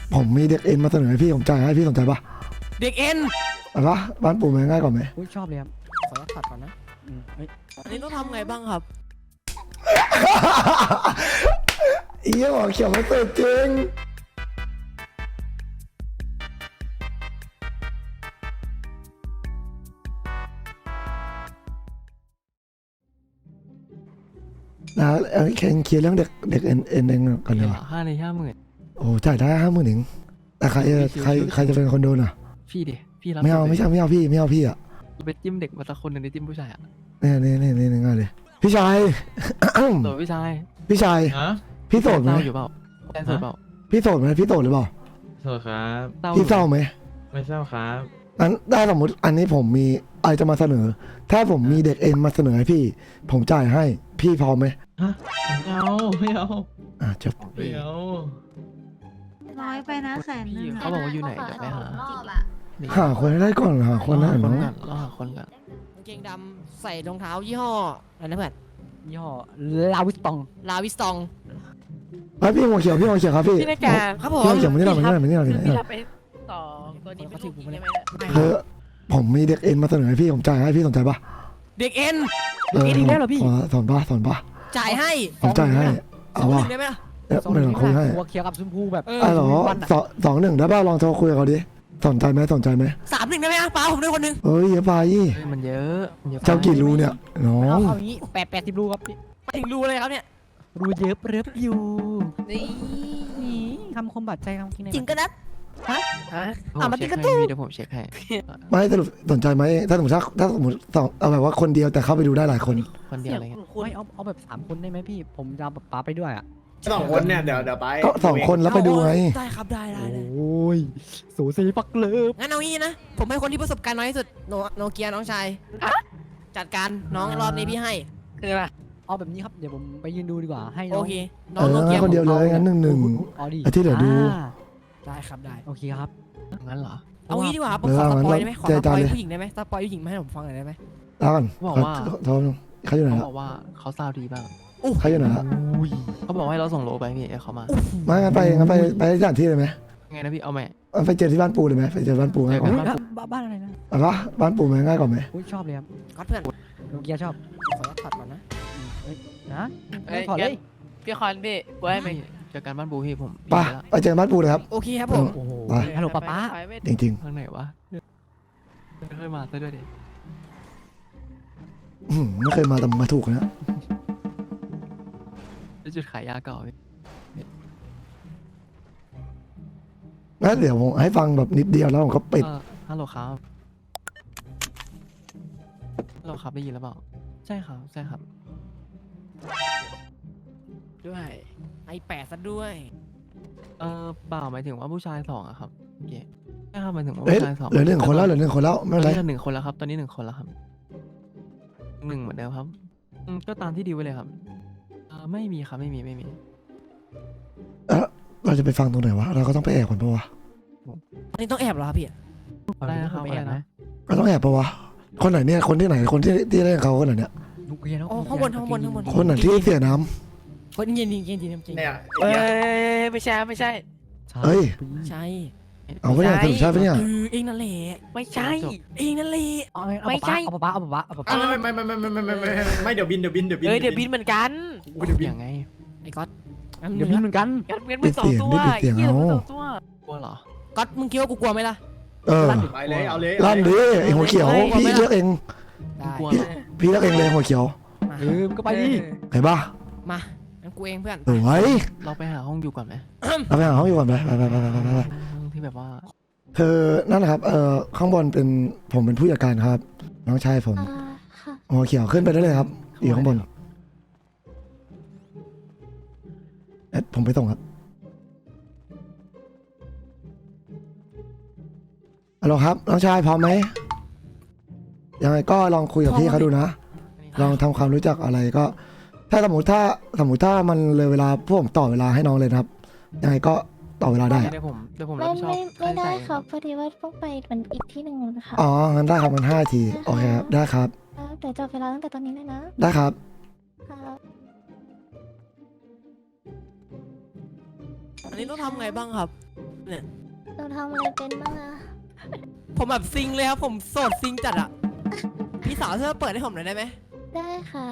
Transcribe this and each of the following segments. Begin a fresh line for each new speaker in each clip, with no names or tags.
ผมมีเด็กเอ็นมาเสนอให้พี่ผมจ่ายให้พี่สนใจปะ
เด็กเอ็น
อะไรปะบ้านปู่มันง่ายกว่าไหม
อุ้ยชอบเลยครับ
ขอตัดก่อนนะ
เฮ้ย
อันนี้ต้องทำไงบ้างครับ
อีหมอเขียวมาเติร์จริงนะเคลียร์เรื่องเด็กเอ็นเองกันเลย
50,000
โอ้จ่ายได้50,000เองแต่ใครจะเป็นคนโดนอ่ะ
พี่ดิพี่รับ
ไม่เอาพี่อ่ะ
ไปจิ้มเด็กมาสักคนหนึ่งในจิ้มผู้ชายอ่ะ
นี่ง่ายเลยพี่ชาย
โดดพี่ชาย
พี่ชาย
ฮะ
พี่โสดไหม
เศร้าอยู่เปล่าแฟนโสดเปล่า
พี่โสดไหมพี่โสดหรือเปล่า
โทษครับ
เศร้า
พี่เศร้าไหม
ไม่ทราบครับ
นั้นได้สมมติอันนี้ผมมีอะไรจะมาเสนอ ถ้าผมมีเด็กเอ็นมาเสนอให้พี่ ผมจ่ายให้พี่พร้อมไหม
ฮะไม่เอาไม่เอา
จบ
ไม่เอา
น้อยไปนะแสนนึ
พี่
ง
เขาบอกว่าอยู่ไหนเดี๋ยวไปหา
หาคนให้ได้ก่อนหาคนได้
ค
เนาะ
นกันเราหาคนกัน
กางเกงดำใส่รองเท้ายี่ห้ออะไรนะเพื่อน
ยี่ห้อลาวิสตอง
ลาวิสตอง
พี่หัวเขียวครับพี่
พี่ในการ
ครับผม
พี่หัวเขียวมานี่หน่อยมานี่หน่อย
พี่รับไปต่อตัวนี้เป็นลูกพี่ได้ไหมเนี่ย
คือผมมีเด็กเอ็นมาเสนอให้พี่ผมจ่ายให้พี่สนใจปะ
เด็กเอ็น
สอนปะ
จ่ายให้
ผมจ่ายให้
สอ
เอา
งห
วะ
นึ่งได้ไหมล่ะ
ไม่ต้องคุยให้
หัวเขียวกับชมพูแบบ
เหรอ2-1ได้ป่ะลองโทรคุยกับเขาดิสนใจไหม
3-1ได้ไหมป้าผมด้วยคนหนึ่ง
เฮ้ยเยอะไป
มันเยอะมันเยอะ
เจ้ากี่รูเนี่ยน้อง
เอางี้80รูครับพี่
ไปถึงรูเลยครับเนี่ย
รูเยอะเริบอยู่
นี่
นี่คำคมบาดใจคำกิน
จริงก็นัด
ฮะ
ผมเช็คให้พี่เดี๋ยวผมเช็คให้
ไม่สรุปสนใจไหมถ้าสมมติสองเอาแบบว่าคนเดียวแต่เข้าไปดูได้หลายคน
คนเดียวอะไรเงี้ย
ไม่เอาแบบ3คนได้ไหมพี่ ผมจะเอาป๋าไปด้วยอ่ะ
2 คนเนี่ยเดี๋ยวไป
ก็2คนแล้วไปดูไง
ได้ครับได้
โอ้ยสูสีปักเลิฟ
งั้นเอางี้นะ ผมให้คนที่ประสบการณ์น้อยที่สุดโนเกียน้องชายจัดการน้องรอบนี้พี่ให้
คืออะไร
เอาแบบนี้ครับเดี๋ยวผมไปยืนดูดีกว่าให้น้
โอ
อง
เคน้องโนเกีย
คนเดียวเลยงั้น1-1
เอาดิ
ไอ้ที่เหลือดู
ได้ครับได้
โอเคครับ
งั้นเหรอ
เอางี้ดีกว่าครับผมขอสปอยได้ไหมขอสปอยผู้หญิงได้ไหมสปอยผู้หญิงมาให้ผมฟังหน่อยได้ไหม
แล้วกัน
บอกว่า
โทรเขาอยู่ไหน
เขา
ละ
บอกว่าเขาซาวดีบ้าง
เขาอยู่ไหนละ
เขาบอกให้เราส่งโลไปพี่เขามา
ไม่งั้นไปสถานที่เลยไหม
ไงนะพี่เอาไหม
ไปเจอที่บ้านปู่เลยไหมไปเจอบ้านปู่ง่ายกว่า
บ้านอะไรนะ
อะไรวะบ้านปู่มันง่ายกว่าไหม
อุ้ยชอบเลยครับ
ก๊อตเพื่อน
โนเกียชอบ
ขอตัดก่อนนะ
นะ
เอ้ย
ถอดเลย
พี่คอนพี่กูให้มัน
เจอกันบ้านบูพี่ผม
ไปไปเจอบ้านปู่เลยครับ
โอเคครับผม
โอ้โห
ไป
ฮัลโหลป้าป้า
ไปไม่
จริง
ทางไหนวะไม่เคยมาซะด้วยดิ
ๆไม่เคยมาแต่มาถูกนะ
ที่จุดขายยาเก่าพี่
งั้นเดี๋ยวผมให้ฟังแบบนิดเดียวแล้วผมก็ปิด
ฮัลโหลครับฮัลโหลครับได้ยินแล้วเปล่าใช่ครับใช่ครับ
ด้วยไอ8ซะด้วย
เปล่าหมายถึงว่าผู้ชาย2อะครับโอเคใช่ครับหมายถึงว่า
เอ้ย
ผู้ชาย2
เหลือ1 คนแล้วไม่เป็นไร
ตอนนี้1 คนแล้วครับตอนนี้1 คนแล้วครับ1เหมือนเดิมครับก็ตามที่ดีลไว้เลยครับไม่มีครับไม่มี
เราจะไปฟังตรงไหนวะเราก็ต้องไปแอบก่อนปะวะ
อันนี้ต้องแอบเหรอครับพี่
ได้นะครับอะไรนะ
เราต้องแอบปะวะคนไหนเนี่ยคนที่ไหนคนที่เล่นเขาคนไหนเนี่ย
โนเกีย
อ๋อข้างบน
คนไหนที่เสียน้
คนเย็นจริงจริง
เนี่ย
เอ้ยไม่ใช่ไม่ใช่
ำเฮ้ย
ใช่
เอาไปเนี่ยสรุปใช่ปะเนี่ย
เองนั่นแหละ
ไม่ใช่
เองนั่นแหละ
ไม่ใช่เอาป้าเอาป้า
ไม่เดี๋ยวบิน
เอ้ยเดี๋ยวบินเหมือนกัน
อย่างไง
ไอ้ก๊อต
เดี๋ยวพี่เหมือนกัน
งั้นมึงสองตัวเหี้ยมึงสองตัว
กลัวเหรอ
ก๊อตมึงคิดว่ากูกลัวไหมล่ะ
ไปเลยเอาเลย
ลั่นดิไอหัวเขียวพี่เลือกเอง
ได้
กลัวเหรอ
พี่เลือกเองเลยหัวเขียว
มา
มันก็ไปดิ
เห็นปะ
มางั้นกูเองเพื่อน
สวย
เราไปหาห้องอยู่ก่อนไหม
เราไปหาห้องอยู่ก่อนไป
ห้องที่แบบว่า
คือนั่นแหละครับข้างบนเป็นผมเป็นผู้จัดการครับ น้องชายผม
ค่ะ
หัวเขียวขึ้นไปได้เลยครับอยู่ข้างบนผมไปส่งครับฮัลโหลครับน้องชายพร้อมไหมยังไงก็ลองคุยกับพี่เขาดูนะ ลองทำความรู้จักอะไรก็ ถ้าสมมติถ้ามันเลยเวลาพวกผมต่อเวลาให้น้องเลยนะครับ ยังไงก็ต่อเวลาได้อะ
เดี๋ยวผมรับ
ไม่
ผิดชอบ
ไม่ได้
ค่าใช้จ่าย
ครับพอดีว่าต้องไปมันอีกที่หนึ่งนะคะ
อ๋องั้นได้ครับมัน5 นาทีโอเคครับได้ครับ
เดี๋ยวจับเวลาตั้งแต่ตอนนี้เลยนะ
ได้ครับ
ครับ
อันนี้ต้องทำไงบ้างครับเนี่ย
หนูทำอะไรเป็นบ้างอะ
ผมแบบซิงเลยครับ ผมโสดซิงจัดอะพี่สาวช่วยเปิดให้ผมหน่อยได้ไหม
ได้ค่ะ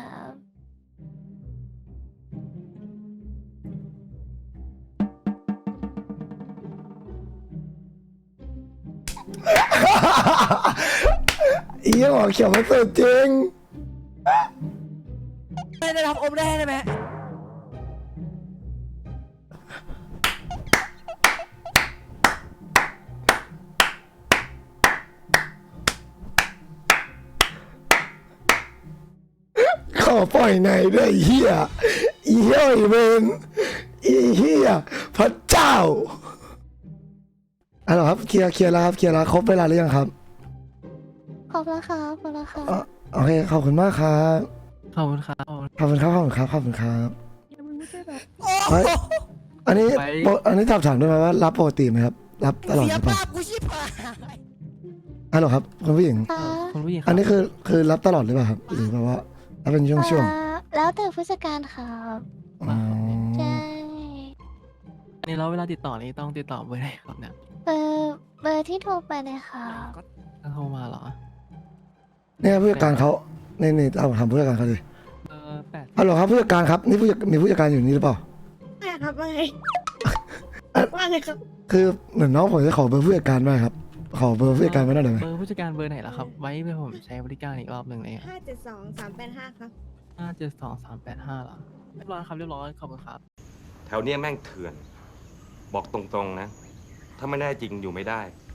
อีหมอเขียวมันสุดจริง
ได้รับอมได้ไหม
ขอปล่อยในด้วยไอ้เฮียอีเฮียไอ้เวนอีเฮียพระเจ้าเอาล่ะครับเคลียร์แล้วครับเคลียร์แล้วครบเวลาหรือยังครับ
ขอบคุณค่ะขอบคุณค่ะ
โอเคขอบคุณมากครับ
ขอบคุณครับ
ขอบคุณครับขอบคุณครับขอบคุณครับ
โอ้
เฮ้ย อันนี้
ไป
อันนี้ถามด้วยไหมว่ารับปกติไหมครับ รับตลอดห
เสีย
รือเปล่า
ภาพกูชิบหาย
ฮัลโหลครับคุณผู้หญิง
ค่ะ
คุณผู้หญิงครับ
อันนี้คือรับตลอดหรือเปล่าครับ หรือแบบว่ารับเป็นช่วง
แล้วแต่ผู้จัดการค่ะ
ๆอ๋อ
ใช่
อันนี้เราเวลาติดต่อนี่ต้องติดต่อเบอร์ไหนครับเนี่ย
เบอร์ที่โทรไปเลยค่ะ
ถ้าโทรมาเหรอ
เนี่ยผู้จัดการเขานี่เอาถามผู้จัดการเขาดิ
เบอร์8
ฮัลโหลครับผู้จัดการครับนี่มีผู้จัดการอยู่นี่หรือเปล่า
ไม่ครับว่าไงว่าไงครับ
คือเหมือนน้องผมจะขอเบอร์ผู้จัดการด้วยครับ ขอเบอร์ผู้จัดการไว้หน่อยได้ไหม
เบอร์ผู้จัดการเบอร์ไหนล่ะครับ ไว้เพื่อผมใช้บริการอีกรอบหนึ่งเลย
572-385 ครับ
572-385เหรอเรียบร้อยครับเรียบร้อยขอบคุณครับ
แถวเนี้ยแม่งเถื่อน บอกตรงๆนะ ถ้าไม่แน่จริงอยู่ไม่ได้